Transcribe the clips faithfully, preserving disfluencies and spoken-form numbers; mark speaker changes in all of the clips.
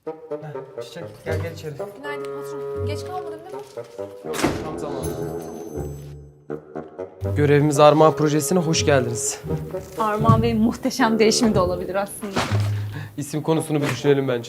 Speaker 1: Çiçek gel gel içeri.
Speaker 2: Günaydın patron. Geç kalmadın değil mi?
Speaker 1: Yok tam zamanı. Görevimiz Armağan Projesi'ne hoş geldiniz.
Speaker 2: Armağan Bey'in muhteşem değişimi de olabilir aslında.
Speaker 1: İsim konusunu bir düşünelim bence.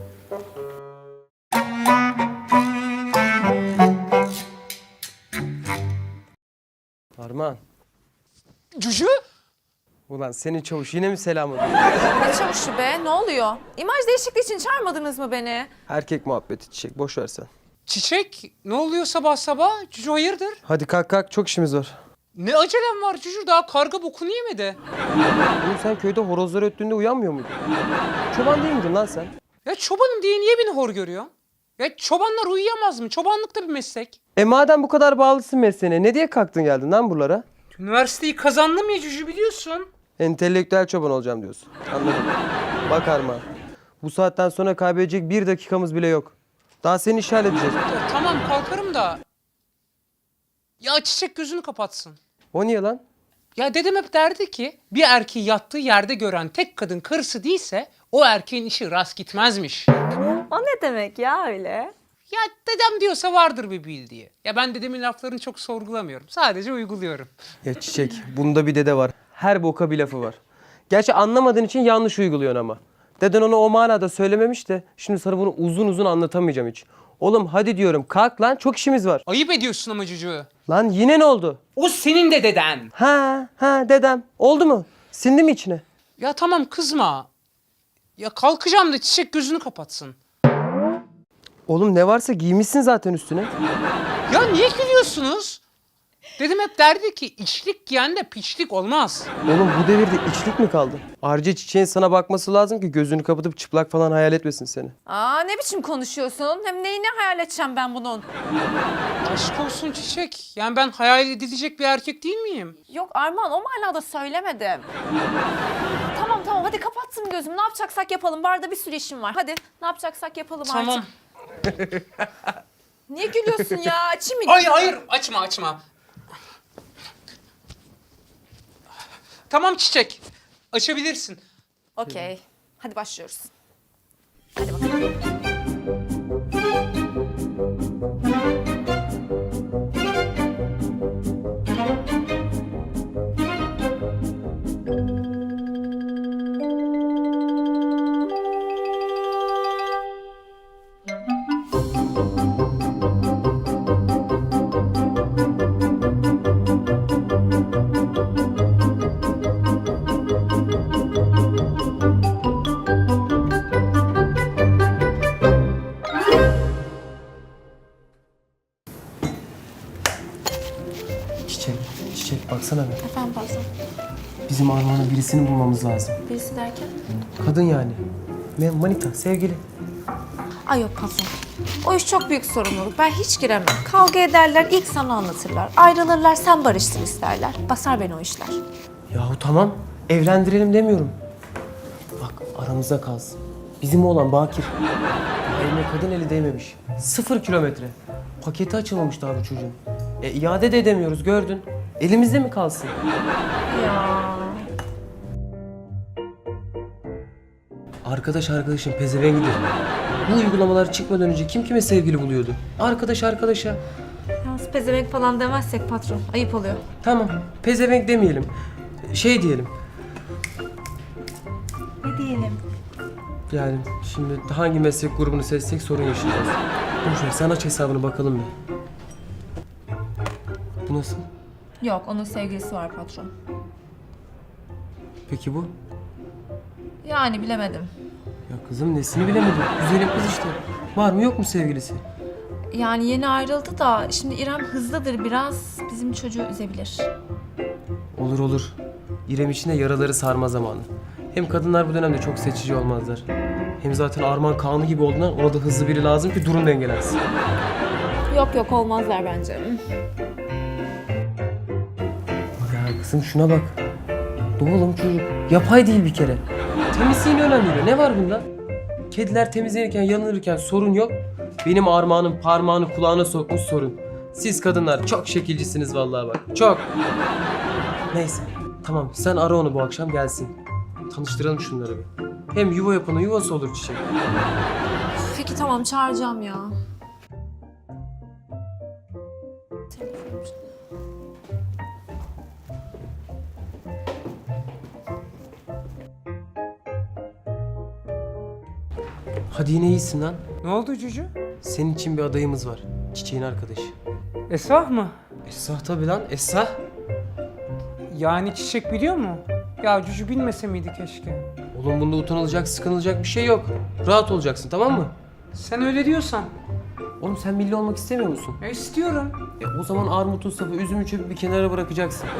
Speaker 1: Armağan.
Speaker 3: Cücü?
Speaker 1: Ulan senin çavuş yine mi selam ediyor?
Speaker 2: Ne çavuşu be? Ne oluyor? İmaj değişikliği için çağırmadınız mı beni?
Speaker 1: Erkek muhabbeti Çiçek, boş ver sen.
Speaker 3: Çiçek, ne oluyor sabah sabah? Cücü hayırdır?
Speaker 1: Hadi kalk kalk, çok işimiz var.
Speaker 3: Ne acelem var Cücü? Daha karga bokunu yemedi.
Speaker 1: Oğlum sen köyde horozlar öttüğünde uyanmıyor muydun? Çoban değil miydin lan sen?
Speaker 3: Ya çobanım diye niye beni hor görüyor? Ya çobanlar uyuyamaz mı? Çobanlık da bir meslek.
Speaker 1: E madem bu kadar bağlısın mesleğine, ne diye kalktın geldin lan buralara?
Speaker 3: Üniversiteyi kazandım ya Cücü, biliyorsun.
Speaker 1: Entelektüel çoban olacağım diyorsun. Anladım. Bak Armağan, bu saatten sonra kaybedecek bir dakikamız bile yok. Daha seni işaret edeceğiz.
Speaker 3: Ya tamam kalkarım da. Ya Çiçek gözünü kapatsın.
Speaker 1: O niye lan?
Speaker 3: Ya dedem hep derdi ki bir erkeği yattığı yerde gören tek kadın karısı değilse o erkeğin işi rast gitmezmiş.
Speaker 2: O ne demek ya öyle?
Speaker 3: Ya dedem diyorsa vardır bir bildiği. Ya ben dedemin laflarını çok sorgulamıyorum. Sadece uyguluyorum.
Speaker 1: Ya Çiçek, bunda bir dede var. Her boka bir lafı var. Gerçi anlamadığın için yanlış uyguluyorsun ama. Deden onu o manada söylememiş de şimdi sana bunu uzun uzun anlatamayacağım hiç. Oğlum hadi diyorum, kalk lan, çok işimiz var.
Speaker 3: Ayıp ediyorsun ama Cücü.
Speaker 1: Lan yine ne oldu?
Speaker 3: O senin de deden.
Speaker 1: Ha ha dedem. Oldu mu? Sindi mi içine?
Speaker 3: Ya tamam kızma. Ya kalkacağım da Çiçek gözünü kapatsın.
Speaker 1: Oğlum ne varsa giymişsin zaten üstüne.
Speaker 3: Ya niye gülüyorsunuz? Dedem hep derdi ki içlik giyen de piçlik olmaz.
Speaker 1: Oğlum bu devirde içlik mi kaldı? Ayrıca Çiçeğin sana bakması lazım ki gözünü kapatıp çıplak falan hayal etmesin seni.
Speaker 2: Aa ne biçim konuşuyorsun? Hem neyini hayal edeceğim ben bunun?
Speaker 3: Aşk olsun Çiçek. Yani ben hayal edilecek bir erkek değil miyim?
Speaker 2: Yok Armağan o manada söylemedim. Tamam tamam hadi kapattım gözümü. Ne yapacaksak yapalım. Barda bir sürü işim var. Hadi ne yapacaksak yapalım
Speaker 3: Tamam.
Speaker 2: artık. Niye gülüyorsun ya? Açayım mı?
Speaker 3: Hayır hayır açma açma. Tamam Çiçek. Açabilirsin.
Speaker 2: Okey. Hadi başlıyoruz. Hadi bakalım.
Speaker 1: Çiçek, Çiçek baksana be.
Speaker 2: Efendim patron.
Speaker 1: Bizim Armağan'ın birisini bulmamız lazım.
Speaker 2: Birisi derken?
Speaker 1: Kadın yani. Ne, manita, sevgili.
Speaker 2: Ay yok patron. O iş çok büyük sorumluluk. Ben hiç giremem. Kavga ederler, ilk sana anlatırlar. Ayrılırlar, sen barışsın isterler. Basar beni o işler.
Speaker 1: Yahu tamam, evlendirelim demiyorum. Bak aramızda kalsın. Bizim oğlan Bakir. Daha eline kadın eli değmemiş. Sıfır kilometre. Paketi açılmamış daha bu çocuğun. E iade de edemiyoruz gördün. Elimizde mi kalsın?
Speaker 2: Ya.
Speaker 1: Arkadaş arkadaşın pezevengidir. Bu uygulamalar çıkmadan önce kim kime sevgili buluyordu? Arkadaş arkadaşa.
Speaker 2: Yalnız pezevenk falan demezsek patron. Ayıp oluyor.
Speaker 1: Tamam, pezevenk demeyelim. Şey diyelim.
Speaker 2: Ne diyelim?
Speaker 1: Yani şimdi hangi meslek grubunu seçsek sorun yaşayacağız. Boş ver, sen aç hesabını bakalım bir. Bu nasıl?
Speaker 2: Yok, onun sevgilisi var patron.
Speaker 1: Peki bu?
Speaker 2: Yani bilemedim.
Speaker 1: Ya kızım nesini bilemedim. Güzelim kız işte. Var mı yok mu sevgilisi?
Speaker 2: Yani yeni ayrıldı da şimdi İrem hızlıdır biraz. Bizim çocuğu üzebilir.
Speaker 1: Olur olur. İrem için de yaraları sarma zamanı. Hem kadınlar bu dönemde çok seçici olmazlar. Hem zaten Armağan Kaan'ı gibi olduğundan ona da hızlı biri lazım ki durum dengelensin.
Speaker 2: Yok yok olmazlar bence.
Speaker 1: Ya kızım şuna bak. Oğlum çocuk. Yapay değil bir kere. Temizliğini önem veriyor. Ne var bunda? Kediler temizlenirken, yanılırken sorun yok. Benim Armağan'ın parmağını kulağına sokmuş sorun. Siz kadınlar çok şekilcisiniz vallahi bak. Çok. Neyse. Tamam sen ara onu bu akşam gelsin. Tanıştıralım şunları bir. Hem yuva yapanın yuvası olur Çiçek.
Speaker 2: Peki tamam çağıracağım ya.
Speaker 1: Hadi yine iyisin lan.
Speaker 3: Ne oldu Cücü?
Speaker 1: Senin için bir adayımız var. Çiçeğin arkadaşı.
Speaker 3: Esrah mı?
Speaker 1: Esra tabii lan. Esra.
Speaker 3: Yani Çiçek biliyor mu? Ya Cücü bilmese miydi keşke?
Speaker 1: Oğlum bunda utanılacak, sıkılacak bir şey yok. Rahat olacaksın, tamam mı?
Speaker 3: Sen öyle diyorsan.
Speaker 1: Oğlum sen milli olmak istemiyor musun?
Speaker 3: E istiyorum.
Speaker 1: E o zaman armutu, sapı, üzümü çöpü bir kenara bırakacaksın.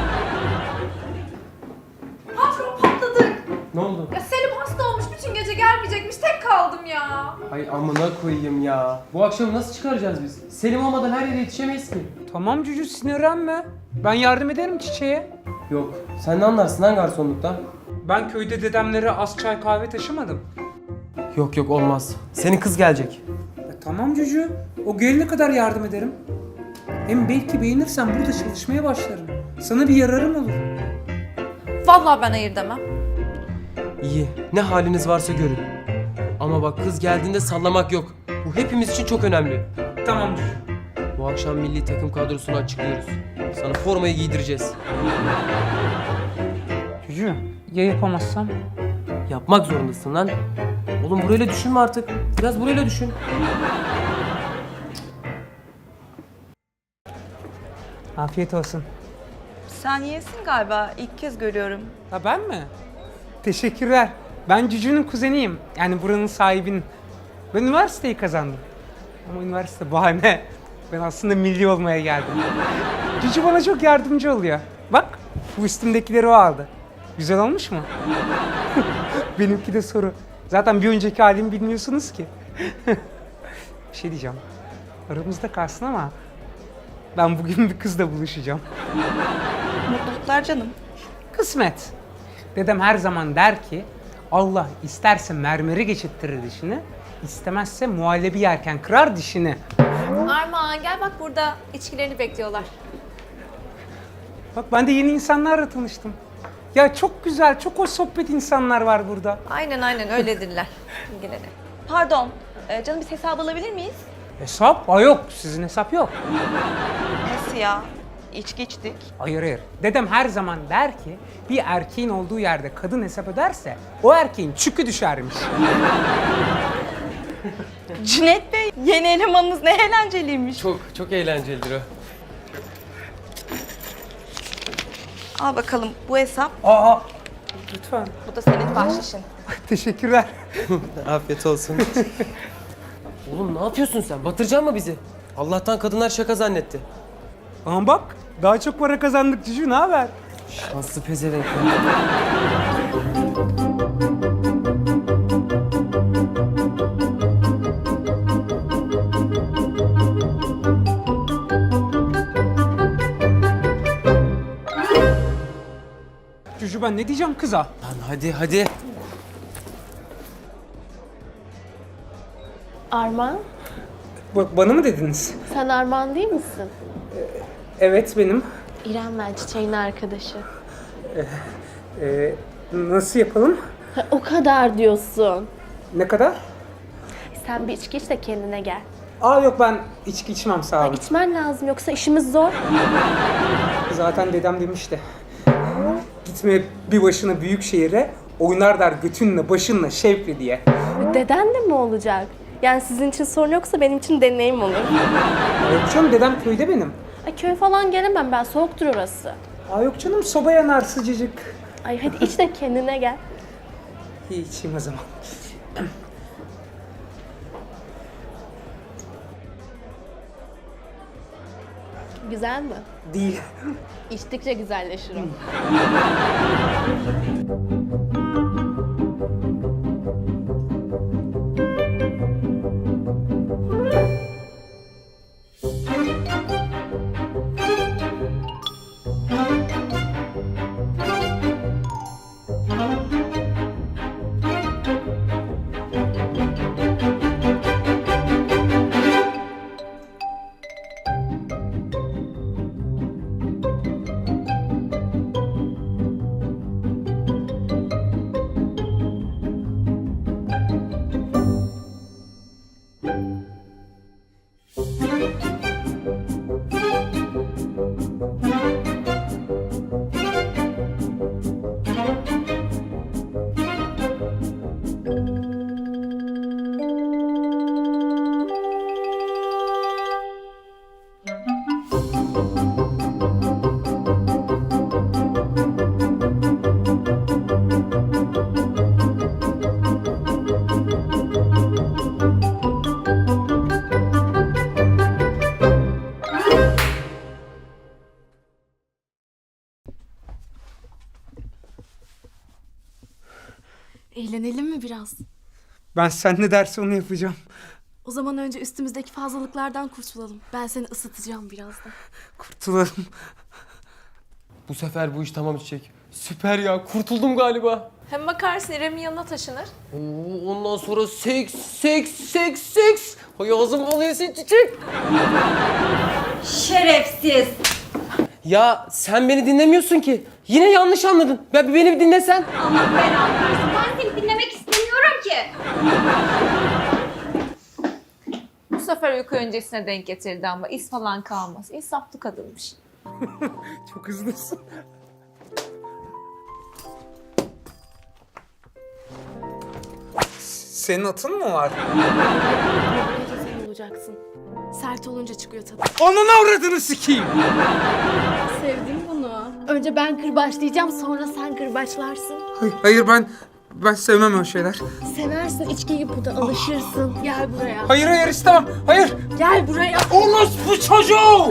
Speaker 2: Patron patladık.
Speaker 1: Ne oldu?
Speaker 2: Ya Selim hasta olmuş, bütün gece gelmeyecekmiş, tek kaldım ya.
Speaker 1: Ay amına koyayım ya. Bu akşam nasıl çıkaracağız biz? Selim olmadan her yere yetişemeyiz ki.
Speaker 3: Tamam Cücü sinirlenme. Ben yardım ederim Çiçeğe.
Speaker 1: Yok. Sen ne anlarsın lan garsonluktan?
Speaker 3: Ben köyde dedemlere az çay kahve taşımadım.
Speaker 1: Yok yok olmaz. Senin kız gelecek.
Speaker 3: E, tamam Cücü. O gelene kadar yardım ederim. Hem belki beğenirsen burada çalışmaya başlarım. Sana bir yararım olur.
Speaker 2: Vallahi ben hayır demem.
Speaker 1: İyi. Ne haliniz varsa görün. Ama bak kız geldiğinde sallamak yok. Bu hepimiz için çok önemli.
Speaker 3: Tamam Cücü.
Speaker 1: Bu akşam milli takım kadrosunu açıklıyoruz. Sana formayı giydireceğiz.
Speaker 3: Cücü ya yapamazsam?
Speaker 1: Yapmak zorundasın lan. Oğlum burayla düşünme artık. Biraz burayla düşün.
Speaker 3: Afiyet olsun.
Speaker 4: Sen yesin galiba. İlk kez görüyorum.
Speaker 3: Ha ben mi? Teşekkürler. Ben Cücü'nün kuzeniyim. Yani buranın sahibinin. Ben üniversiteyi kazandım. Ama üniversite bahane. Ben aslında milli olmaya geldim. Cücü bana çok yardımcı oluyor. Bak bu üstümdekileri o aldı. Güzel olmuş mu? Benimki de soru. Zaten bir önceki halimi bilmiyorsunuz ki. Bir şey diyeceğim. Aramızda kalsın ama ben bugün bir kızla buluşacağım.
Speaker 4: Mutluluklar canım.
Speaker 3: Kısmet. Dedem her zaman der ki Allah isterse mermeri geçirttirir dişini, istemezse muhallebi yerken kırar dişini.
Speaker 2: Armağan gel bak, burada içkilerini bekliyorlar.
Speaker 3: Bak ben de yeni insanlarla tanıştım. Ya çok güzel, çok hoş sohbet insanlar var burada.
Speaker 2: Aynen aynen öyledirler. İlgilenin.
Speaker 4: Pardon. e, canım biz hesap alabilir miyiz?
Speaker 3: Hesap? Aa yok, sizin hesap yok.
Speaker 4: Nasıl ya? İçki içtik.
Speaker 3: Hayır hayır. Dedem her zaman der ki bir erkeğin olduğu yerde kadın hesap öderse o erkeğin çükü düşermiş.
Speaker 4: Cüneyt Bey, yeni elemanınız ne eğlenceliymiş.
Speaker 1: Çok çok eğlencelidir o.
Speaker 4: Al bakalım bu hesap.
Speaker 3: Aa, lütfen.
Speaker 4: Bu da senin bahşişin.
Speaker 3: Teşekkürler.
Speaker 1: Afiyet olsun. Oğlum ne yapıyorsun sen? Batıracaksın mı bizi? Allah'tan kadınlar şaka zannetti.
Speaker 3: Ama bak daha çok para kazandık Cücü, ne haber?
Speaker 1: Şanslı pezevenk.
Speaker 3: Cücü ben ne diyeceğim kıza?
Speaker 1: Lan hadi hadi.
Speaker 5: Armağan,
Speaker 3: Ba- bana mı dediniz?
Speaker 5: sen Armağan değil misin?
Speaker 3: Evet benim.
Speaker 5: İrem ben Çiçek'in arkadaşı.
Speaker 3: Ee, nasıl yapalım?
Speaker 5: Ha, o kadar diyorsun.
Speaker 3: Ne kadar?
Speaker 5: Sen bir içki iç de kendine gel.
Speaker 3: Aa yok ben içki içmem sağ olun.
Speaker 5: İçmen lazım yoksa işimiz zor.
Speaker 3: Zaten dedem demişti. Gitme bir başına büyük şehire, oynar der götünle başınla şevkle diye.
Speaker 5: Deden de mi olacak? Yani sizin için sorun yoksa benim için deneyim olur.
Speaker 3: Aa, yok canım dedem köyde benim.
Speaker 5: Ay köy falan gelemem ben, soğuktur orası.
Speaker 3: Aa yok canım soba yanar sıcacık.
Speaker 5: Ay hadi iç de kendine gel.
Speaker 3: İyi içeyim o zaman.
Speaker 5: Güzel mi?
Speaker 3: Değil.
Speaker 5: İçtikçe güzelleşir o. Eğlenelim mi biraz?
Speaker 3: Ben sen ne derse onu yapacağım.
Speaker 5: O zaman önce üstümüzdeki fazlalıklardan kurtulalım. Ben seni ısıtacağım birazdan.
Speaker 3: Kurtulalım.
Speaker 1: Bu sefer bu iş tamam Çiçek. Süper ya, kurtuldum galiba.
Speaker 2: Hem bakarsın İrem'in yanına taşınır.
Speaker 1: Oo, ondan sonra seks, seks, seks, seks. Hay ağzım alıyorsun Çiçek.
Speaker 4: Şerefsiz.
Speaker 1: Ya sen beni dinlemiyorsun ki. Yine yanlış anladın. Ben beni bir dinlesen.
Speaker 4: Allah belanı versin. Ben seni dinlemek istemiyorum ki.
Speaker 2: Bu sefer uyku öncesine denk getirdi ama iz falan kalmaz. İnsaflı kadınmış.
Speaker 3: Çok hızlısın. Senin atın mı var?
Speaker 5: Bu gece sen olacaksın. Sert olunca çıkıyor tadı.
Speaker 3: Onun avradını sikeyim.
Speaker 5: Sevdim bunu. Önce ben kırbaçlayacağım, sonra sen kırbaçlarsın.
Speaker 3: Hayır, hayır ben ben sevmem öyle şeyler.
Speaker 5: Seversin, içki gibi burada alışırsın. Gel buraya.
Speaker 3: Hayır hayır istemem. Hayır.
Speaker 5: Gel buraya.
Speaker 3: Orospu çocuğu.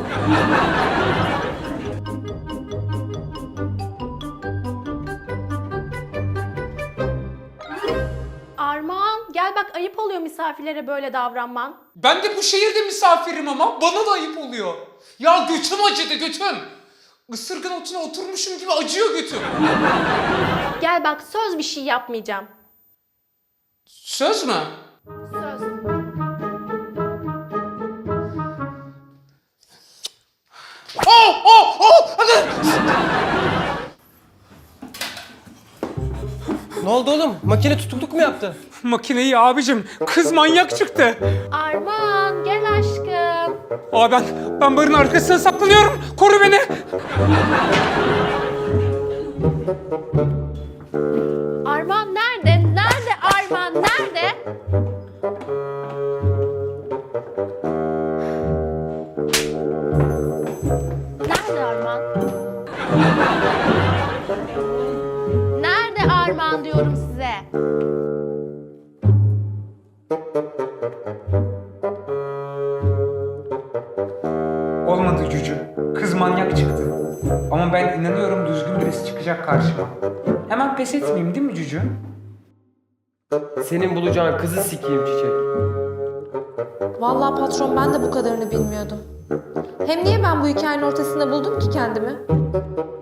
Speaker 5: Armağan, gel bak ayıp oluyor misafirlere böyle davranman.
Speaker 3: Ben de bu şehirde misafirim ama bana da ayıp oluyor. Ya götüm acıdı götüm. Isırgan otuna oturmuşum gibi acıyor götüm.
Speaker 5: Gel bak söz bir şey yapmayacağım.
Speaker 3: Söz mü?
Speaker 5: Söz.
Speaker 3: Oh oh oh!
Speaker 1: Ne oldu oğlum? Makine tutukluk mu yaptı?
Speaker 3: Makineyi abicim. Kız manyak çıktı.
Speaker 5: Armağan, gel aşkım.
Speaker 3: Aa ben ben barın arkasına saklanıyorum. Koru beni.
Speaker 5: Armağan nerede? Nerede Armağan? Nerede? Nerede Armağan? Nerede Armağan diyorum size.
Speaker 3: Olmadı Cücü. Kız manyak çıktı. Ama ben inanıyorum düzgün birisi çıkacak karşıma. Hemen pes etmeyeyim değil mi Cücü?
Speaker 1: Senin bulacağın kızı sikeyim Çiçek.
Speaker 2: Vallahi patron ben de bu kadarını bilmiyordum. Hem niye ben bu hikayenin ortasında buldum ki kendimi?